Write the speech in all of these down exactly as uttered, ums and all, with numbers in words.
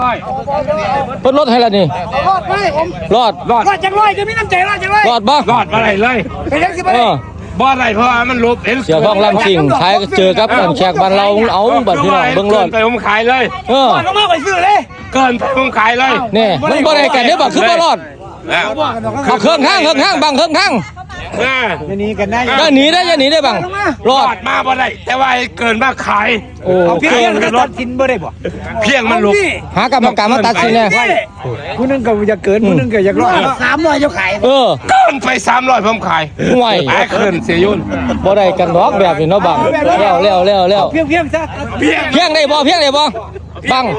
เพิ่นลดให้แล้วนี่รอดไหมผมรอดรอดรอดจังร้อยจะมีน้ำใจรอดจังเลยรอดบ่รอดอะไรเลยเป็นยังสิบ่ได้บ่อะไรเพราะมันลบเห็นเสียท้องลำสิ่งขายเจอกับแขกบ้านเราเอาบัดพี่น้องเบิ่งรอดไปผมขายเลยเออต้องมาไปซื้อเลยเกินไปผมขายเลยนี่มันบ่ได้กันเด้อบ่คือบ่รอดเอาเครื่องข้างเครื่องข้างบังเครื่องข้างจะหนีกันได้ก็หนีได้จะหนีได้บังรอดมาบ่ได้แต่ว่าเกินมาขายโอ้เพียงมันตัดสินบ่ได้บ่เพียงมันลบหากรรมการมาตัดสินแน่ผู้นึงก็จะเกินผู้นึงก็อยากรอดสามร้อยจะขายเออเกินไปสามร้อยผมขายห่วยไอ้เกินเสียยุ่นบ่ได้กันดอกแบบนี้เนาะบังแล้วแล้วแล้วแล้วเพียงเพียงซะเพียงเพียงได้บ่เพียงได้บ่บัง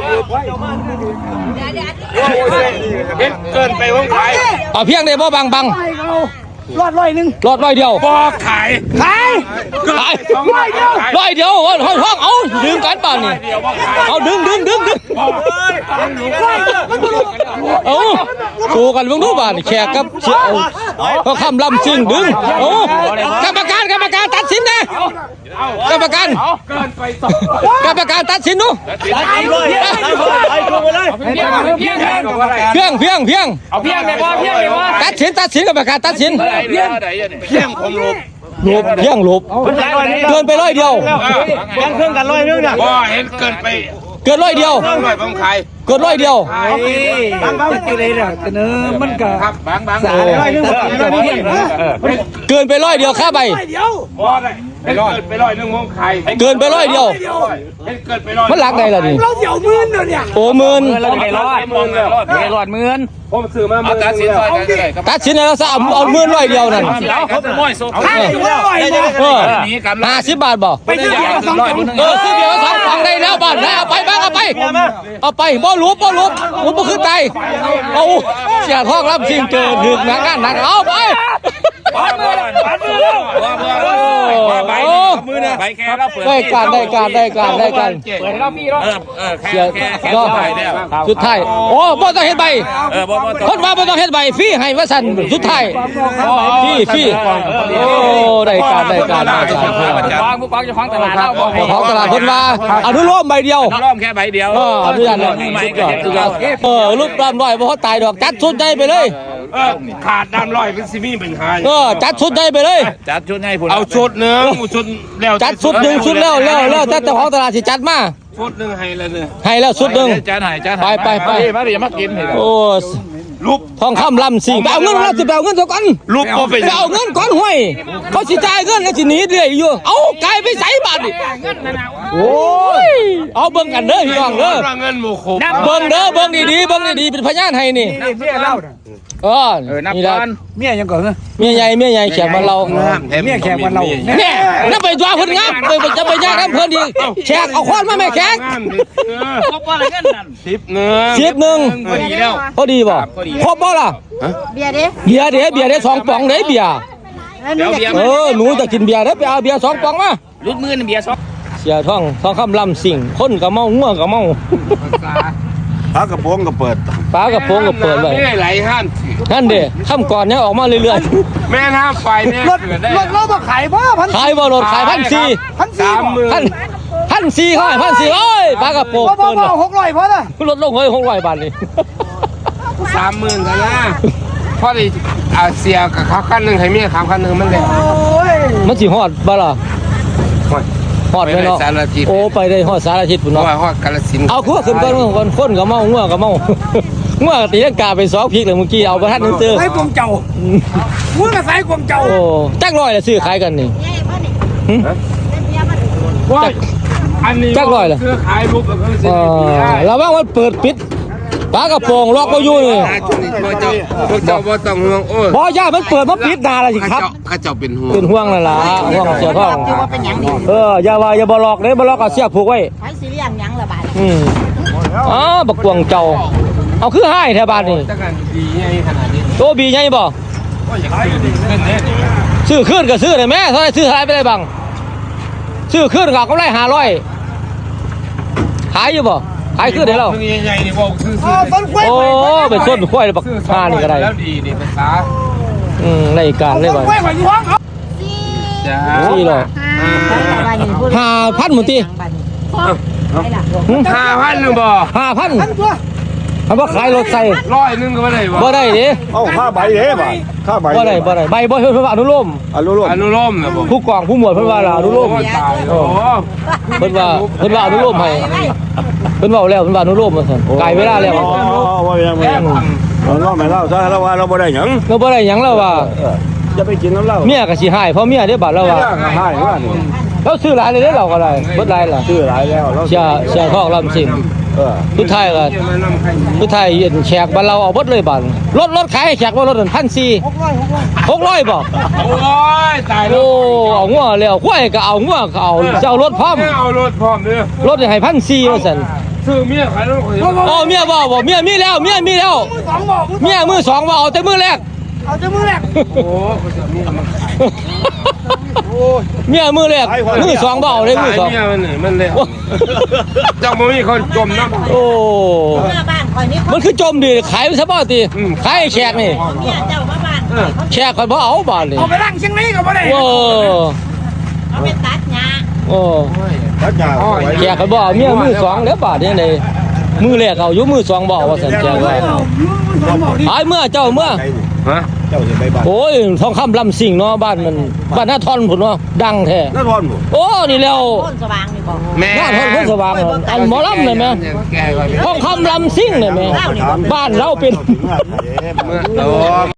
เกินไปผมขายเอาเพียงได้บ่บังบังรอดร้อยหนึ่งรอดร้อยเดียวบ่ขายขายขายร้อยเดียวร้อยเดียวห้องเอาดึงกันป่านนี่เอาดึงดึงดึงดึงเอาสู้กันมึงดูบ้านแขกกับเชี่ยวก็คำลำซิ่งดึงโอ้กรรมการกรรมการตัดสินนะกรรมการกรรมการตัดสินดูเพียงเพียงเพียงเอาเพียงเลยว่าเพียงเลยว่าตัดสินตัดสินกรรมการตัดสินเพียงเพียงผมลบลบเพียงลบเกินไปร้อยเดียวแบ่งเครื่องกันร้อยนึงเนี่ยว่าเห็นเกินไปเกินร้อยเดียวร้อยผมขายเกินร้อยเดียวบางบางจะได้เนี่ยเสนอมันก็ครับบางบางร้อยนึงเกินไปร้อยเดียวค่าใบเดียวบ่ได้เกินไปร้อยนึงผมขายเกินไปร้อยเดียวเกินไปร้อยมันหลักใดล่ะนี่เราเดี่ยวหมื่นเนี่ยโอ้หมื่นเราจะได้รอดหมื่นเลยได้รอดหมื่นผมซื้อมาตัดสินซอยกันได้ตัดสินแล้วซะเอาหมื่นร้อยเดียวนั่นเขาเป็นม้อยโซ่ให้ร้อยเออห้าสิบบาทบ่ไปซื้อเบียร์สองกล่องเออซื้อเบียร์สองกล่องได้แล้วบ้านนะเอาไปบ้างเอาไปเอาไปบ่หลุบบ่หลุบหลุบบ่ขึ้นใจเอาเสียท้องรับสิ่งเจอถึกหนักงานหนักเอาไปใบแค่เราเปิดได้การได้การได้การได้การเปิดให้เราพี่รถเออแค่แค่แค่สุดท้ายโอ้บ่ต้องเฮ็ดใบคนว่าบ่ต้องเฮ็ดใบฟรีให้ว่าซั่นสุดท้ายฟรีฟรีโอ้ได้การได้การได้การวางผู้กองจะฟังตลาดเราบ่ให้ของตลาดเพิ่นว่าอนุโลมใบเดียวอนุโลมแค่ใบเดียวเอออนุญาตเออรูปร่างน้อยบ่เขาตายดอกจัดชุดใหญ่ไปเลยเออขาดน้ำร้อยเป็นซิมีเป็นหายเออจัดชุดใหญ่ไปเลยจัดชุดให้ผมเอาชุดนึงชุดแล้วจัดชุดนึงชุดแล้วแล้วแล้วแต่เจ้าของตลาดสิจัดมาชุดนึงให้แล้วเนี่ยให้แล้วชุดนึงจัดให้จัดไปไปไปมาดิมากินโอ้รูปทองคำลำสิ่งเอาเงินเราจะเอาเงินเท่ากันรูปก็เป็นเอาเงินก้อนห้วยเขาสิจ่ายเงินแล้วสิหนีเรื่อยอยู่เอาไก่ไปใส่บาทดิโอ้ยเอาเบิ่งกันเด้อพี่น้องเด้อเงินโมโคเบิ่งเด้อเบิ่งดีๆเบิ่งดีๆเป็นพยานให้นี่เออนี่ละเมียยังก่อนเหรอเมียใหญ่เมียใหญ่แขกมันเราเมียแขกมันเราเนี่ยนั่นไปตัวเพิ่นงับไปจะไปแยกกันเพิ่นดีแขกเอาค้อนมาแม่แขกครบบ่ละเงินนั่นสิบหนึ่งสิบหนึ่งพอดีแล้วพอดีบ่ครบบ่ล่ะเบียร์เด้เบียร์เด้เบียร์เด้สองป๋องเด้เบียร์เออหนูจะกินเบียร์เด้ไปเอาเบียร์สองป๋องมาลุดมือเบียร์สองเสียท้องท้องคำลำสิ่งคนก็เมางัวก็เมาปลากระโปรงก็เปิดปลากระโปรงก็เปิดไว้ไม่ไหลห้ามนั่นเด้ข้ามก่อนเนี่ยออกมาเรื่อยๆแม่น้ำไฟเนี่ยรถรถเราบ่ขายบ่พันขายบ่รถขายพันสี่พันสี่พันพันสี่เขาให้พันสี่โอ้ยปลากระโปรงเปิดหกร้อยพอละรถลงเฮ้ยหกร้อยบาทนี่สามหมื่นกันนะพอดีอาเซียกับเขาขั้นหนึ่งให้เมียขามขั้นหนึ่งมันเลยมันสิฮอดบ่ล่ะฮอดเลยเนาะโอ้ไปได้ฮอดสารทิศพุ่นเนาะฮอดกาฬสินธุ์เอาคือขึ้นก่อนก่อนคนก็เมางัวก็เมางัวตีลังกาไปสองพริกเลยเมื่อกี้เอาบ่ทันนึงเจอใส่กวงเจ้างัวก็ใส่กวงเจ้าโอ้จักร้อยละซื้อขายกันนี่ว่าอันนี้จักร้อยละซื้อขายรูปแบบนี้อ๋อระวังมันเปิดปิดปลากระโปรงล็อกบ่อยู่นี่พวกเจ้าพวกเจ้าบ่ต้องห่วงโอ้ยบ่ย่ามันเปิดมันปิดด่าล่ะสิครับข้าเจ้าเป็นห่วงเป็นห่วงนั่นล่ะห่วงเสียท้องเอออย่าว่าอย่าบ่ล็อกเด้บ่ล็อกก็เสียผูกไว้ไผสิเลี้ยงหยังล่ะบาดอืมอ๋อบักกวงเจ้าเอาคือหายแถวบ้านนี่จักกันดีใหญ่ขนาดนี้โตบีใหญ่บ่ซื้อขึ้นก็ซื้อได้แม่เท่าไหร่ซื้อเท่าไหร่ไปได้บังซื้อขึ้นก็กำไรห้าร้อยขายอยู่บ่ขายขึ้นได้แล้วใหญ่ๆนี่บ่ซื้อโอ้ไปส้นควายบักห่านี่ก็ได้แล้วดีนี่ภาษาอืมในการเลยบ่จ้าสี่ร้อยห้าพันหมดทีห้าพันหรือบ่ห้าพันคำว่าขายรถใส่ร้อยหนึงก็ไม่ได้วะบ่ได้ดิเอ้าค่าใบเด้บ่ค่าใบบ่ได้บ่ได้ใบบ่เพิ่นว่าอนุโลมอนุโลมอนุโลมนะผมผู้กองผู้หมวดเพิ่นว่าล่ะอนุโลมโอ้ตายโอ้เพิ่นว่าเพิ่นว่าอนุโลมให้เพิ่นเว้าแล้วเพิ่นว่าอนุโลมว่าซั่นไกลเวลาแล้วอ๋อว่ายังไม่ยังเราเล่าไม่เล่าซะแล้วว่าเราบ่ได้หยังเราบ่ได้หยังแล้วว่าจะไปกินน้ำเหล้าเมียก็สิหายเพราะเมียเด้บาดแล้วว่าใช่ว่านี่เราซื้อหลายเลยเด้เราก็ได้เบิดหลายล่ะชื่อหลายแล้วเราเสียเสียทองลำสิ่งเออสุดท้ายก็สุดท้ายเย็นแขกบ้านเราเอาเบิดเลยบาดรถรถขายให้แขกว่ารถนั่นพันสี่หกร้อยบ่โอ้ยตายแล้โอ้วเอางัวแล้วควายก็เอางัวก็เอาจะเอารถพร้อมเอารถพร้อมเด้อรถให้พันสี่ว่าซั่นซื้อเมียขายรถข่อยโอ้เมียบ่บ่เมียมีแล้วเมียมีแล้วเมียมือสองบ่เอาแต่มือแรกเอาจะมือแรกโอ้เขาจะเมียมันขายเมียมือแรกมือสองบ่เอาเลยมือสองเมียมันนี่มันเลยเจ้าบ่มีคนจมน้ำโอ้เมื่อบ้านคอยนี่มันคือจมดิขายซะบ่ติขายให้แขกนี่เมียเจ้ามาบ้านข่อยเขาแขกคนบ่เอาบาดนี่เอาไปล้างเชียงนี้ก็บ่ได้โอ้เอาไปตัดหญ้าโอ้ทักยาไว้แขกคนบ่เอาเมียมือสองแล้วบาดนี่ไดมือแรกเอาอยู่มือสองบ่เอาว่าซั่นแขกว่าหายเมื่อเจ้าเมื่อฮะเจ้าจะไปบ้านโอ้ยทองคำลำสิ่งเนาะบ้านมันบ้านหน้าทอนพุ่นเนาะดังแท้นครบ่โอ้นี่แล้วต้นสว่างนี่บอกแม่หน้าทอนคนสว่างอะอันหมอลำเลยแม่แกก่อนทองคำลำสิ่งเลยแม่บ้านเราเป็นถึงว่าเมื่อโต